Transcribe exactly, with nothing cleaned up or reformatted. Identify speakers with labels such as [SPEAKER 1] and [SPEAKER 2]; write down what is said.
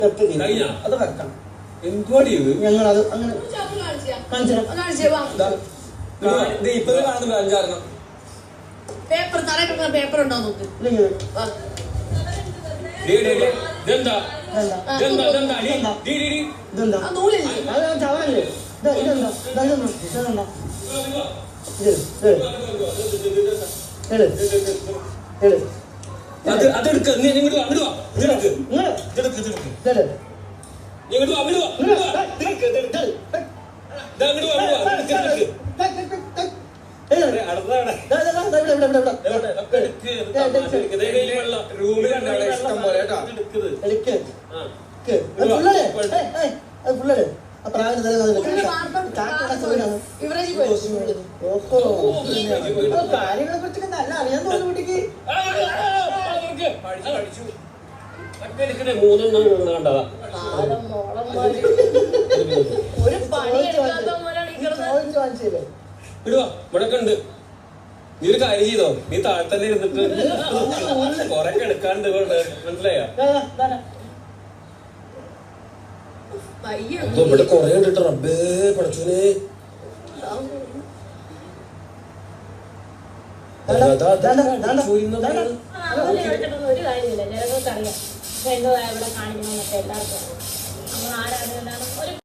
[SPEAKER 1] അത് കറക്കണം.
[SPEAKER 2] ഞങ്ങൾ അത് അങ്ങനെ
[SPEAKER 1] ഇപ്പൊ കാണുന്നില്ല അഞ്ചാറെണ്ണം
[SPEAKER 3] പേപ്പർ തറ പേപ്പർ ഉണ്ടോ നോക്ക്.
[SPEAKER 2] ഇതെന്താ
[SPEAKER 3] നൂലില്ലേ
[SPEAKER 2] ചവറല്ലേ ഇതെന്താ ഇതെന്താ
[SPEAKER 1] അത് അതെടുക്ക നീ ഇങ്ങോട്ട് വാ അങ്ങോട്ട് വാ ഇതെടുക്ക് ഇതെടുക്ക് ഇതെടുക്ക് ഇങ്ങോട്ട് വാ അങ്ങോട്ട് വാ ഇതെടുക്ക് ഇതെടുക്ക് ഇതാ അങ്ങോട്ട് വാ അങ്ങോട്ട് വാ ഇതെടുക്ക് ഇതെടുക്ക് റൂമിലുണ്ടാവും ഇഷ്ടം പോലെ കേട്ടോ.
[SPEAKER 2] കാര്യങ്ങളെ കുറിച്ചൊക്കെ നല്ല അറിയാൻ തോന്നുന്നു കുട്ടിക്ക്.
[SPEAKER 1] മൂന്നെണ്ണം കണ്ടതാ
[SPEAKER 3] ഒരു പണി എടുക്കാത്ത
[SPEAKER 1] വിടുവാ ഇവിടൊക്കെ ഉണ്ട്. നീ ഒരു കാര്യം ചെയ്തോ, നീ താഴെ തന്നെ ഇരുന്നിട്ട് കൊറേ എടുക്കാണ്ട് മനസ്സിലായോ? ഇവിടെ കൊറേ ഉണ്ടിട്ട് റബ്ബേ പഠിച്ചോനെ.
[SPEAKER 4] ഒരു കാര്യമില്ല, ജനങ്ങൾക്കറിയാം എന്തോ ഇവിടെ കാണിക്കണമെന്നൊക്കെ എല്ലാവർക്കും. നമ്മൾ ആരാധന